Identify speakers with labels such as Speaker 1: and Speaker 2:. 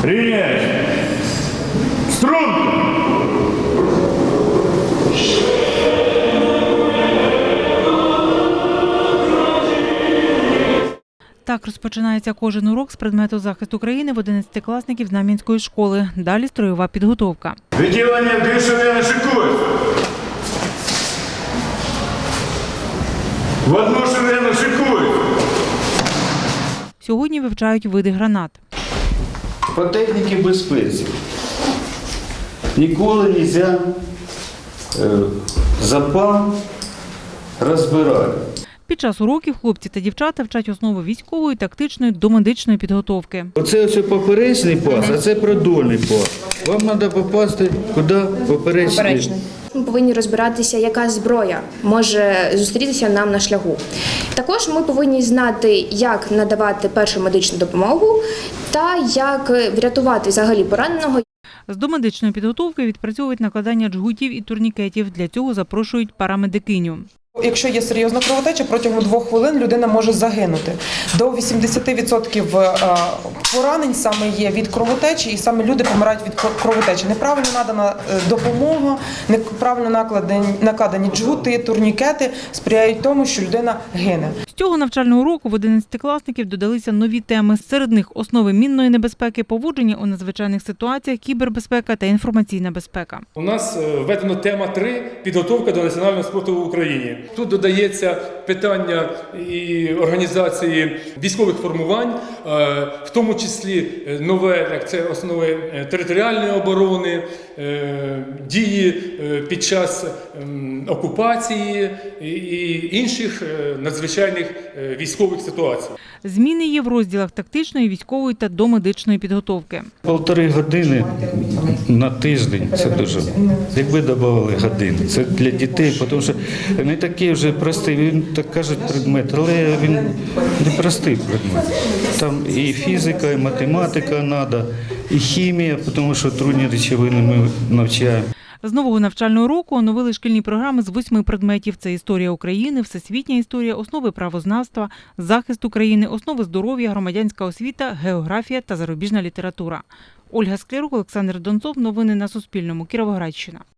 Speaker 1: Рівняйся. Струнко.
Speaker 2: Так розпочинається кожен урок з предмету захисту країни в 11-класників Знам'янської школи. Далі строєва підготовка.
Speaker 1: Відділення дві швидко шикують. В одну швидко шикують.
Speaker 2: Сьогодні вивчають види гранат.
Speaker 3: По техніці безпеки. Ніколи не можна запал розбирати.
Speaker 2: Під час уроків хлопці та дівчата вчать основи військової, тактичної, домедичної підготовки.
Speaker 3: Оце ось поперечний пас, а це продольний пас. Вам треба попасти куди? Поперечний.
Speaker 4: Ми повинні розбиратися, яка зброя може зустрітися нам на шляху. Також ми повинні знати, як надавати першу медичну допомогу та як врятувати взагалі пораненого.
Speaker 2: З домедичної підготовки відпрацьовують накладання джгутів і турнікетів. Для цього запрошують парамедикиню.
Speaker 5: Якщо є серйозна кровотеча, протягом 2 хвилин людина може загинути. До 80% поранень саме є від кровотечі, і саме люди помирають від кровотечі. Неправильно надана допомога, неправильно накладені джгути, турнікети сприяють тому, що людина гине.
Speaker 2: З цього навчального уроку в 11-класників додалися нові теми. Серед них основи мінної небезпеки, поводження у надзвичайних ситуаціях, кібербезпека та інформаційна безпека.
Speaker 6: У нас введено тема 3 – підготовка до національного спорту в Україні. Тут додається питання і організації військових формувань, в тому числі нове, як це основи територіальної оборони, дії під час окупації і інших надзвичайних військових ситуацій.
Speaker 2: Зміни є в розділах тактичної, військової та домедичної підготовки.
Speaker 3: 1,5 години на тиждень, це дуже. Якби додавали години, це для дітей, тому що не такий вже простий, він так кажуть предмет, але він не простий предмет. Там і фізика, і математика треба, і хімія, тому що трудні речовини ми навчаємо.
Speaker 2: З нового навчального року оновили шкільні програми з 8 предметів. Це історія України, всесвітня історія, основи правознавства, захист України, основи здоров'я, громадянська освіта, географія та зарубіжна література. Ольга Склярук, Олександр Донцов. Новини на Суспільному. Кіровоградщина.